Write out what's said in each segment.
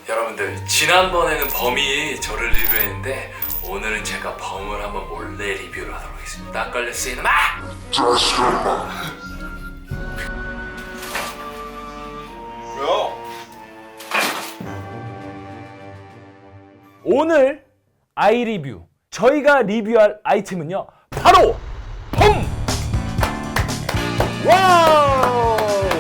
여러분들 지난번에는 범이 저를 리뷰했는데 오늘은 제가 범을 한번 몰래 리뷰를 하도록 하겠습니다. 딱 걸렸어 이놈아! 오늘 아이 리뷰 저희가 리뷰할 아이템은요 바로 범! 와우!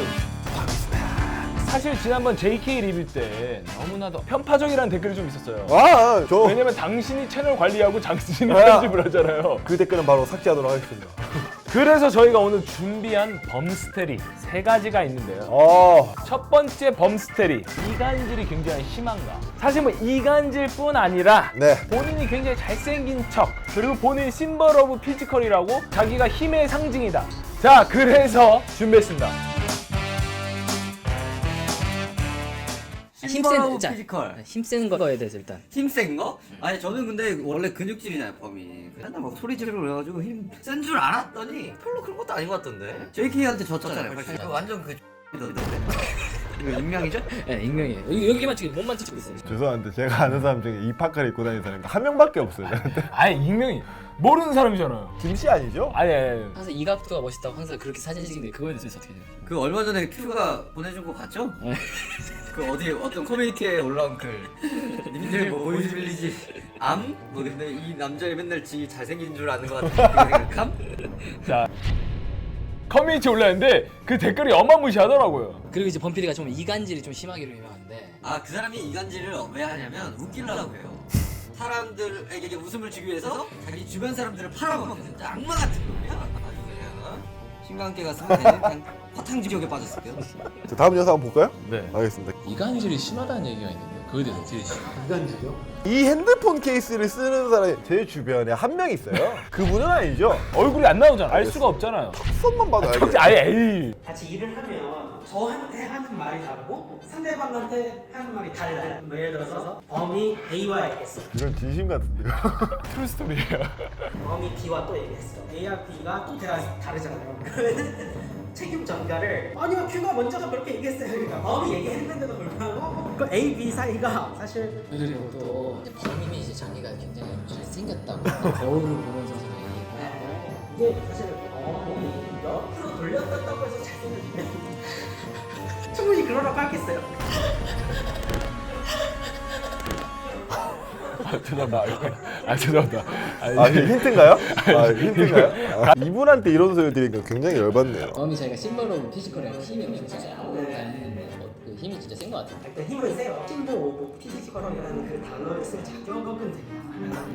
사실 지난번 JK 리뷰 때 너무나도 편파적이라는 댓글이 좀 있었어요. 왜냐면 당신이 채널 관리하고 당신이 편집을 하잖아요. 그 댓글은 바로 삭제하도록 하겠습니다. 그래서 저희가 오늘 준비한 범스테리 3가지가 있는데요. 첫 번째 범스테리, 이간질이 굉장히 심한가? 사실 뭐 이간질 뿐 아니라 네. 본인이 굉장히 잘생긴 척, 그리고 본인 심벌 오브 피지컬이라고 자기가 힘의 상징이다. 자, 그래서 준비했습니다. 힘센 피지컬. 힘센 거에 대해서 일단 힘센 거? 아니 저는 근데 원래 근육질이잖아요 범이. 맨날 막 소리 지르고 그래가지고 힘 센 줄 알았더니 별로 그런 것도 아닌 것 같던데. JK한테 졌잖아요. 사실 완전 그 X던데. 이거 익명이죠? 네, 익명이에요. 여기만 지금 몸만 찍고 있어요. 죄송한데 제가 아는 사람 중에 이 파카를 입고 다니는 사람이 한 명밖에 없어요. 저한테. 아예 익명이 모르는 사람이잖아요. 김씨 아니죠? 아니. 항상 이 각도가 멋있다고 항상 그렇게 사진 찍는데 그거에 대해서 어떻게 해요? 그 얼마 전에 큐가 보내준 거 봤죠? 그 어디 어떤 커뮤니티에 올라온 글. 님들 뭐 보이즈빌리지 암? 뭐 근데 이 남자애 맨날 지 잘생긴 줄 아는 것 같은 생각함? 자, 커뮤니티 올라왔는데 그 댓글이 어마무시하더라고요. 그리고 이제 범피디가 좀 이간질이 좀 심하기로 유명한데 아 그 사람이 이간질을 왜 하냐면 웃기려고 해요. 사람들에게 웃음을 주기 위해서 자기 주변 사람들을 팔아먹는 진짜 악마 같은 놈이야. 아주 그냥 신관계 갔으면 그냥 화탕 지옥에 빠졌을 거예요. 자, 다음 영상 한번 볼까요? 네. 알겠습니다. 이간질이 심하다는 얘기가 있는데 그거에 대해서 어떻게 되시나요? 이 핸드폰 케이스를 쓰는 사람이 제 주변에 한 명 있어요. 그분은 아니죠? 얼굴이 안 나오잖아. 알 수가 없잖아요. 손만 봐도 알겠어요. 아예 에이. 같이 일을 하면 저한테 하는 말이 다르고 상대방한테 하는 말이 달라요. 뭐 예를 들어서 범이 A와 얘기했어. 이건 진심 같은데요? 트루스토리예요. 범이 B와 또 얘기했어. A와 B가 또 다르잖아요. 그러면 책임 전가를 아니요 Q가 먼저가 그렇게 얘기했어요. 그러니까 범이 얘기했는데도 불구하고 그 A, B 사이가 사실 그리고 또 이제 범인이 이제 자기가 굉장히 잘생겼다고 거울을 보면서 얘기하고 이게 사실 범이 옆으로 돌렸다고 해서 잘생겼는데 충분히 그러라고 하겠어요. 죄송합니다. 아, 이게 힌트인가요? 아, 힌트인가요? 이분한테 이런 소리 들으니까 굉장히 열받네요. 범이 자기가 심벌 오브 피지컬이랑 힘이 엄청 세고 그 힘이 진짜 센 것 같아요. 일단 힘은 세요. 심보 오브 피지컬이라는 그 단어를 쓴 작용하면 됩니다.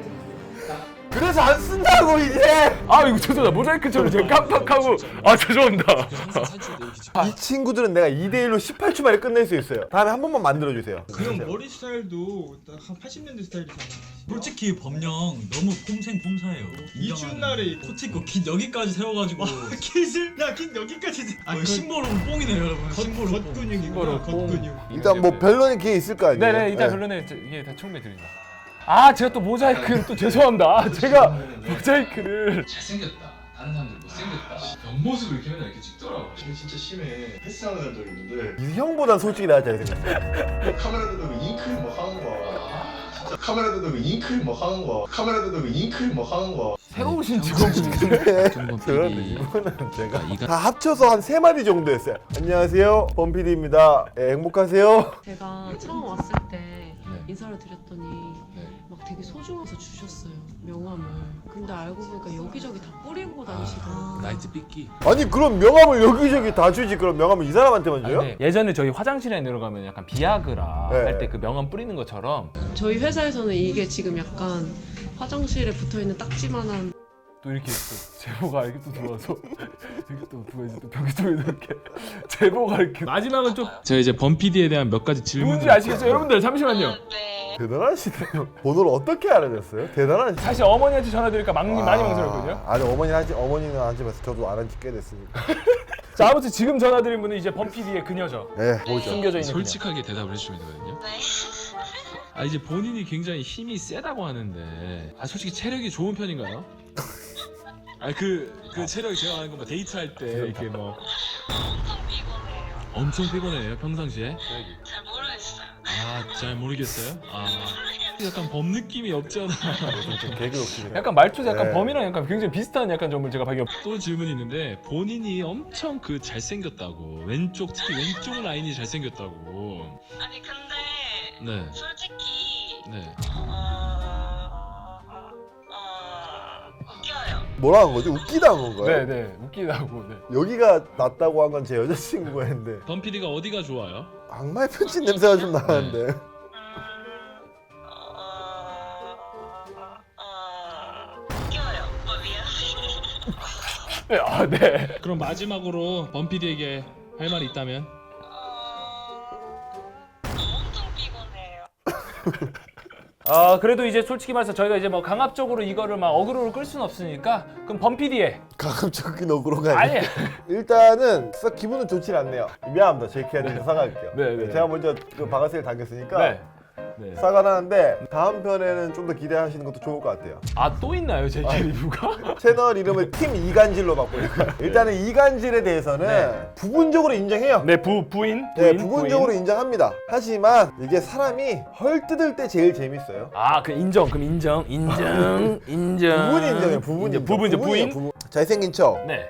그래서 안 쓴다고 이제! 아 이거 죄송합니다. 모자이크처럼 제가 깜빡하고 죄송합니다. 항상 살찌는데 이렇게 지금 이 친구들은 내가 2대1로 18초 만에 끝낼 수 있어요. 다음에 한 번만 만들어주세요. 그 형 머리 스타일도 딱 한 80년대 스타일이잖아. 솔직히 범령 너무 폼생폼사예요. 이춘 날에 코 찍고 깃 여기까지 세워가지고 깃을? 야 깃 여기까지 심보로는 뽕이네요 여러분. 심보로 겉근육이구나 겉근육. 일단 뭐 변론의 기회 있을 거 아니에요? 네네 일단 결론에 이게 다 총매 드립니다. 아 제가 또 모자이크를 또 죄송합니다. 아, 제가 모자이크를 잘생겼다. 다른 사람들 못생겼다. 옆모습을 이렇게 맨날 이렇게 찍더라고. 진짜 심해. 패스하는 한 적이 있는데 이 형보단 솔직히 나을 잘생겼어. 카메라 대고 잉크 막 하는 거야. 진짜 카메라 대고 잉크 막 하는 거야. 카메라 대고 잉크 막 하는 거야. 새로 오신 직원분인데 근데 정범 그런데 PD. 이분은 제가 이가- 다 합쳐서 한 3마디 정도 했어요. 안녕하세요, 범PD입니다. 행복하세요? 제가 처음 왔을 때 인사를 드렸더니 막 되게 소중해서 주셨어요, 명함을. 근데 알고 보니까 여기저기 다 뿌리고 다니시더라고요. 나이트 삐끼. 아니 그럼 명함을 여기저기 다 주지, 그럼 명함을 이 사람한테만 줘요? 네. 예전에 저희 화장실에 내려가면 약간 비아그라 네. 할 때 그 명함 뿌리는 것처럼 저희 회사에서는 이게 지금 약간 화장실에 붙어있는 딱지만한 또 이렇게 또 제보가 이렇게 또 들어와서 이렇게 또 누가 이제 또 벽 쪽에 이렇게 제보가 이렇게 마지막은 좀 제가 이제 범 PD에 대한 몇 가지 질문을 누군지 아시겠죠? 여러분들 잠시만요. 대단하시네요. 번호를 어떻게 알아냈어요? 대단하시네. 사실 어머니한테 전화드리니까 많이 망설였거든요. 아니 어머니는 하지 마세요. 저도 안 한 지 꽤 됐으니까. 자 아무튼 지금 전화드린 분은 이제 범 PD의 그녀죠. 네, 보죠. 숨겨져 있는 솔직하게 대답을 해주시면 되거든요. 아 이제 본인이 굉장히 힘이 세다고 하는데 아 솔직히 체력이 좋은 편인가요? 아그 체력이 제가 아는 거 뭐 데이트할 때 이렇게 뭐 엄청 피곤해요 평상시에? 잘 모르겠어요. 아 잘 모르겠어요. 약간 범 느낌이 없지 않아. 좀 개그 욕심이. 약간 말투도 약간 네. 범이랑 약간 굉장히 비슷한 약간 점을 제가 발견. 또 질문이 있는데 본인이 엄청 그 잘생겼다고 왼쪽 특히 왼쪽 라인이 잘생겼다고. 아니 근데 네. 솔직히 네. 웃겨요. 뭐라 한 거지? 웃기다 한 건가요? 네네 웃기다고. 네. 여기가 낫다고 한 건 제 여자친구가 했는데 범 PD가 어디가 좋아요? 악마의 편지 냄새가 좀 나는데. 웃겨요. 미안. 네. 그럼 마지막으로 범 PD에게 할 말이 있다면? 엄청 피곤해요. 그래도 이제 솔직히 말해서 저희가 이제 뭐 강압적으로 이거를 막 어그로로 끌 수는 없으니까 그럼 범피디의 가급적인 어그로가 아니에요. 아니 일단은 썩 기분은 좋지 않네요. 미안합니다. JK한테 사과할게요. 네. 제가 먼저 그 바가스를 당겼으니까 네. 사과를 하는데 다음 편에는 좀 더 기대하시는 것도 좋을 것 같아요. 또 있나요 JK 리뷰가? 채널 이름을 팀 이간질로 바꾸니까 일단은 이간질에 대해서는 부분적으로 인정해요. 네 부인. 네, 부분적으로 인정합니다. 하지만 이게 사람이 헐 뜯을 때 제일 재밌어요. 그 인정. 그럼 인정. 인정. 부분 인정해요. 부분 인정. 부분이죠, 부분이에요, 부인. 부분. 잘생긴 척. 네.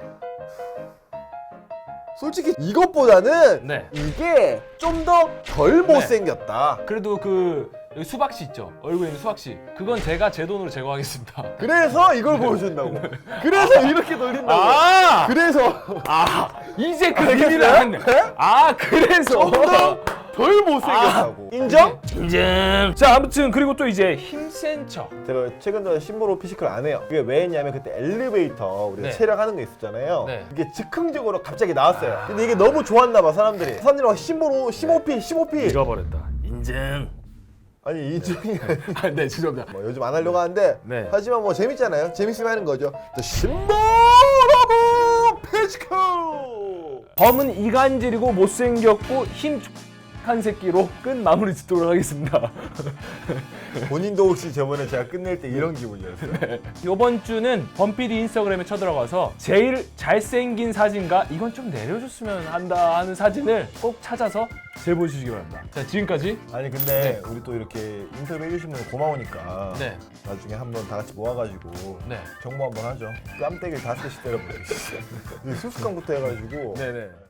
솔직히 이것보다는 네. 이게 좀 더 덜 못생겼다. 그래도 그 여기 수박씨 있죠. 얼굴에 있는 수박씨. 그건 제가 제 돈으로 제거하겠습니다. 그래서 이걸 보여준다고. 그래서 이렇게 돌린다고. 그래서 이제 그 의미를 알았네. 그래서 덜 못생겼다고. 인정? 인정. 자 아무튼 그리고 또 이제 힘센 척. 제가 최근 들어 심보로 피지컬 안 해요. 그게 왜 했냐면 그때 엘리베이터 우리가 네. 촬영하는 거 있었잖아요. 네. 이게 즉흥적으로 갑자기 나왔어요. 근데 이게 너무 좋았나 봐 사람들이. 사람들이 막 심보로 15P 잃어버렸다. 인정. 아니 인정이 아니 네 죄송합니다. 뭐 요즘 안 하려고 하는데 네. 하지만 뭐 재밌잖아요. 재밌으면 하는 거죠. 심보로 피지컬. 범은 이간질이고 못생겼고 힘한 새끼로 끝 마무리 짓도록 하겠습니다. 본인도 혹시 저번에 제가 끝낼 때 이런 기분이었어요? 이번 주는 범피디 인스타그램에 쳐들어가서 제일 잘생긴 사진과 이건 좀 내려줬으면 한다 하는 사진을 꼭 찾아서 제보해 주시기 바랍니다. 자 지금까지 아니 근데 우리 또 이렇게 인터뷰 해주시면 고마우니까 네. 나중에 한번 다 같이 모아가지고 네. 정모 한번 하죠. 깜대기를 5개씩 때려버리겠어요. 수수깡부터 해가지고 네네.